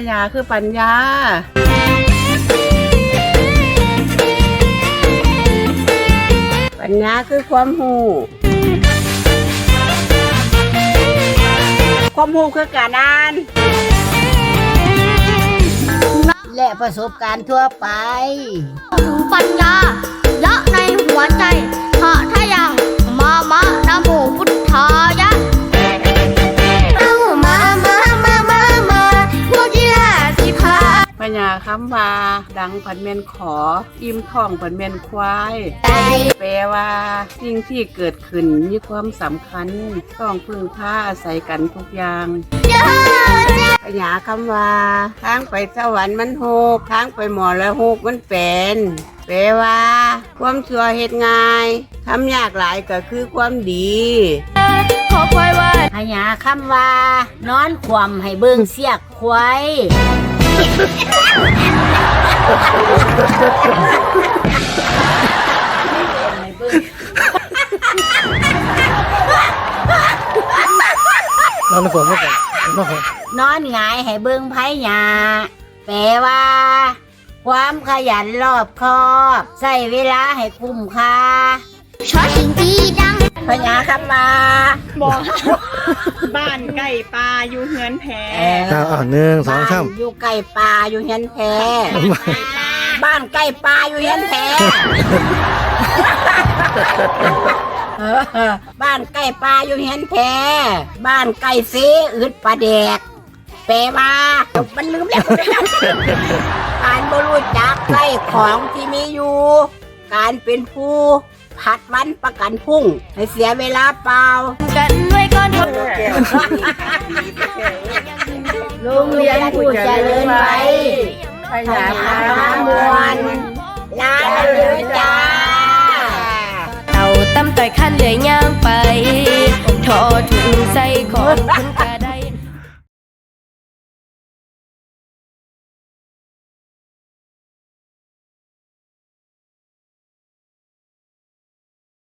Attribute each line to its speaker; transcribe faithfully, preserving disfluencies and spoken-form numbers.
Speaker 1: ญาคือปัญญาปัญญาคือความรู้ความรู้คือการอ่านและประสบการณ์ทั่วไป
Speaker 2: ปัญญาละในหัวใจหะทะยังมามะนะโมพุทธายะเอามามามามามาพวกกีฬาสิพา
Speaker 1: ปัญญาคำว่าดังผันเมนขออิ่มท้องผันเมนควายแปลว่าสิ่งที่เกิดขึ้นมีความสำคัญต้องพึ่งพาอาศัยกันทุกอย่างปัญญาคำว่าทางไปสวรรค์มันโหกทางไปหมอแล้วโหกมันเป็นแปลว่าความชั่วเหตุง่ายทำยากหลายก็คือความดี
Speaker 2: ขอควายว่า
Speaker 3: ปัญญาคำว่านอนขวมให้เบิ่งเสียกควาย
Speaker 4: นอนในฝนไม่ก่อนนอน
Speaker 3: นอนหงายให้เบิ่งไผหยาแปลว่าความขยันรอบคอบใช้เวลาให้คุ้มค่า
Speaker 2: ชอชิงตีดัง
Speaker 3: ปัญญาคำว่า
Speaker 1: บอกบ้านใกล้ปลาอยู่เฮือนแพ
Speaker 4: อ่าหนึ่งสองสาม
Speaker 3: อยู่ใกล้ปลาอยู่เฮือนแพบ้านใกล้ปลาอยู่เฮือนแพบ้านใกล้ปลาอยู่เฮือนแพบ้านใกล้เสอึดปลาแดกแปลว่ามันลืมแล้วการบรู้จักใกล้ของที่มีอยู่การเป็นผู้พัดวันประกันพุ่งให้เสียเวลาเปล่า
Speaker 2: กันด้วยก้อนทอง
Speaker 3: โรงเรียนผู้เจริญไว้พยาพามวลลาเลยจ้า
Speaker 2: เต่าตั้มต่อยขั้นเหลือย่างไปทอถุงใส่ของ